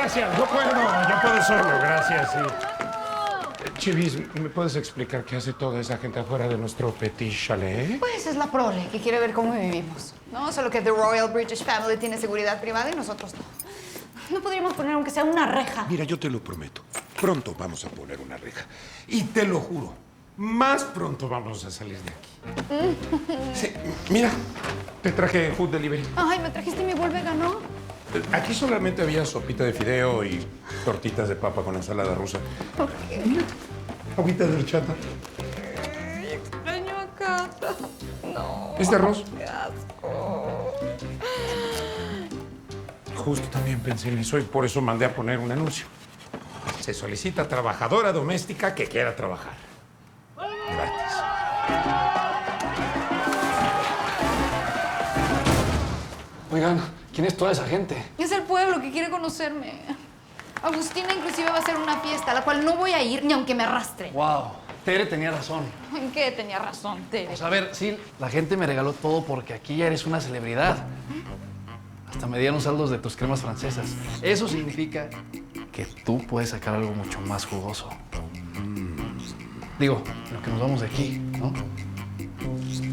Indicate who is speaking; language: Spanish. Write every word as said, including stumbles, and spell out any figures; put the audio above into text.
Speaker 1: gracias. Yo puedo, yo puedo solo, gracias. Sí. Chivis, ¿me puedes explicar qué hace toda esa gente afuera de nuestro petit chalet?
Speaker 2: Pues es la prole que quiere ver cómo vivimos, ¿no? Solo que The Royal British Family tiene seguridad privada y nosotros no. No podríamos poner aunque sea una reja.
Speaker 1: Mira, yo te lo prometo. Pronto vamos a poner una reja. Y te lo juro, más pronto vamos a salir de aquí. Sí, mira, te traje food delivery.
Speaker 2: Ay, me trajiste mi bol vegano.
Speaker 1: Aquí solamente había sopita de fideo y tortitas de papa con ensalada rusa.
Speaker 2: ¿Por qué?
Speaker 1: Mira, agüita de horchata.
Speaker 2: Ay, extraño a Cata. No.
Speaker 1: ¿Este arroz?
Speaker 2: Qué asco.
Speaker 1: Justo también pensé en eso y por eso mandé a poner un anuncio. Se solicita trabajadora doméstica que quiera trabajar. Gratis.
Speaker 3: Oigan, ¿quién es toda esa gente?
Speaker 2: Es el pueblo que quiere conocerme. Agustina inclusive va a hacer una fiesta a la cual no voy a ir ni aunque me arrastre.
Speaker 3: Wow, Tere tenía razón.
Speaker 2: ¿En qué tenía razón, Tere?
Speaker 3: Pues a ver, sí, la gente me regaló todo porque aquí ya eres una celebridad. Hasta me dieron saldos de tus cremas francesas. Eso significa que tú puedes sacar algo mucho más jugoso. Digo, lo que nos vamos de aquí, ¿no?